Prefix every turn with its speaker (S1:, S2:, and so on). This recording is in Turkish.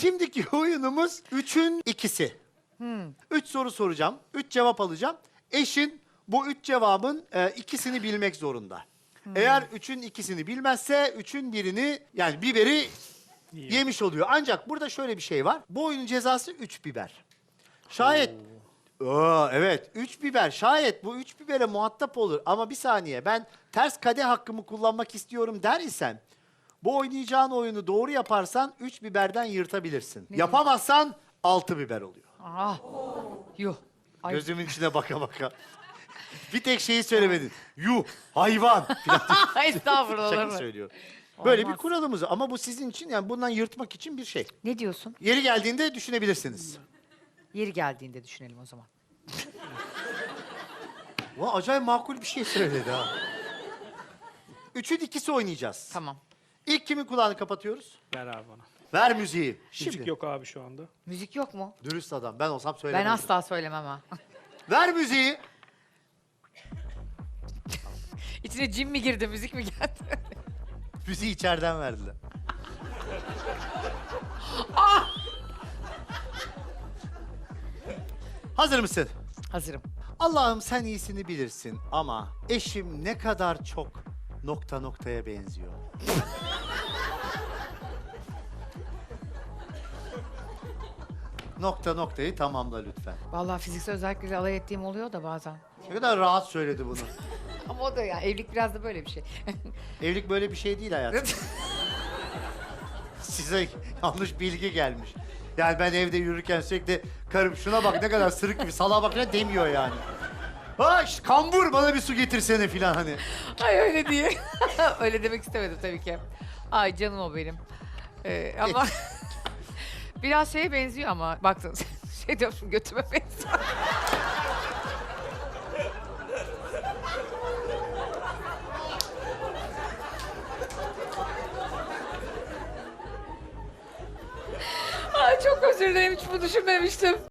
S1: Şimdiki oyunumuz 3'ün ikisi. 3 soru soracağım, 3 cevap alacağım. Eşin bu 3 cevabın ikisini bilmek zorunda. Eğer 3'ün ikisini bilmezse 3'ün birini yani biberi yemiş oluyor. Ancak burada şöyle bir şey var. Bu oyunun cezası 3 biber. Şayet evet 3 biber. Şayet bu 3 bibere muhatap olur ama bir saniye ben ters kadeh hakkımı kullanmak istiyorum der isen bu oynayacağın oyunu doğru yaparsan 3 biberden yırtabilirsin. Yapamazsan 6 biber oluyor.
S2: Ah. Yuh. Ay.
S1: Gözümün içine baka baka. Bir tek şeyi söylemedin. Yuh hayvan falan.
S2: Estağfurullah.
S1: Şaka
S2: olur mu?
S1: söylüyorum. Böyle bir
S2: Olmaz.
S1: kuralımız ama bu sizin için yani bundan yırtmak için bir şey.
S2: Ne diyorsun?
S1: Yeri geldiğinde düşünebilirsiniz.
S2: Yeri geldiğinde düşünelim o zaman.
S1: Vay acayip makul bir şey söyledi ha. 3'ün ikisi oynayacağız.
S2: Tamam.
S1: İlk kimin kulağını kapatıyoruz?
S3: Ver abi bana.
S1: Ver müziği. Şimdi.
S3: Müzik yok abi şu anda.
S2: Müzik yok mu?
S1: Dürüst adam. Ben olsam
S2: Ben
S1: söylemezdim.
S2: asla söylemem ha.
S1: Ver müziği.
S2: İçine cin mi girdi, müzik mi geldi?
S1: Müziği içeriden verdiler. Hazır mısın?
S2: Hazırım.
S1: Allah'ım sen iyisini bilirsin ama eşim ne kadar çok nokta noktaya benziyor. Nokta noktayı tamamla lütfen.
S2: Vallahi fiziksel özellikle alay ettiğim oluyor da bazen.
S1: Ne kadar rahat söyledi bunu.
S2: Ama o da ya, evlilik biraz da böyle bir şey.
S1: Evlilik böyle bir şey değil hayatım. Size yanlış bilgi gelmiş. Yani ben evde yürürken sürekli karım şuna bak ne kadar sırık gibi salağa bak ne demiyor yani. Ha şşt, kambur bana bir su getirsene filan hani.
S2: Ay öyle diye. Öyle demek istemedim tabii ki. Ay canım o benim. Ama biraz şeye benziyor ama baktın şey diyorsun götüme benziyor. Ay çok özür dilerim hiç bunu düşünmemiştim.